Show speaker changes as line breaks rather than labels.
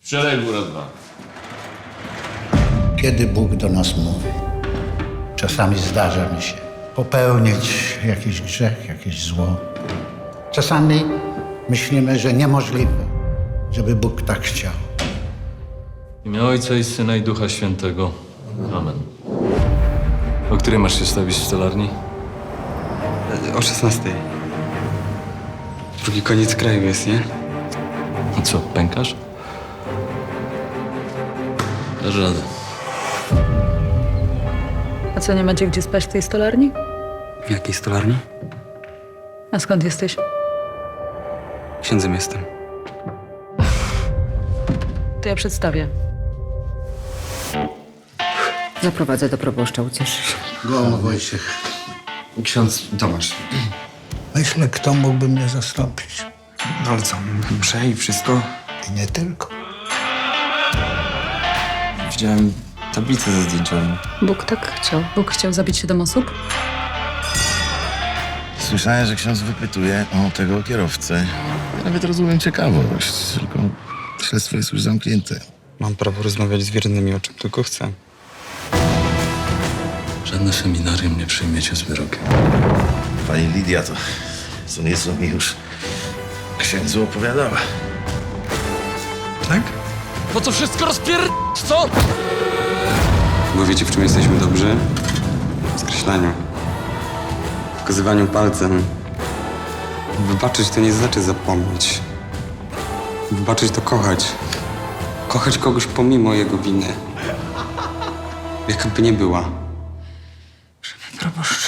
Przelej raz dwa.
Kiedy Bóg do nas mówi? Czasami zdarza mi się popełnić jakiś grzech, jakieś zło. Czasami myślimy, że niemożliwe, żeby Bóg tak chciał.
W imię Ojca i Syna i Ducha Świętego. Amen. O której masz się stawić w stolarni?
O 16. Drugi koniec kraju jest, nie?
No co, pękasz? Dasz radę.
A co, nie macie gdzie spać w tej stolarni?
W jakiej stolarni?
A skąd jesteś?
Księdzem jestem.
To ja przedstawię.
Zaprowadzę do proboszcza, ucieszysz się.
Gołąb Wojciech.
Ksiądz Tomasz.
Myślę, kto mógłby mnie zastąpić.
No ale co, mszę i wszystko?
I nie tylko.
Widziałem tablicę ze zdjęciami.
Bóg tak chciał. Bóg chciał zabić 7 osób?
Słyszałem, że ksiądz wypytuje o tego kierowcę. Ja nawet rozumiem ciekawość, tylko śledztwo jest już zamknięte.
Mam prawo rozmawiać z wiernymi o czym tylko chcę.
Żadne seminarium nie przyjmiecie z wyrokiem.
Pani Lidia to co nieco mi już księdzu opowiadała.
Tak?
No to wszystko co?
Bo wiecie, w czym jesteśmy dobrzy? W skreślaniu. W wskazywaniu palcem. Wybaczyć to nie znaczy zapomnieć. Wybaczyć to kochać. Kochać kogoś pomimo jego winy. Jaka by nie była. Proboszcz.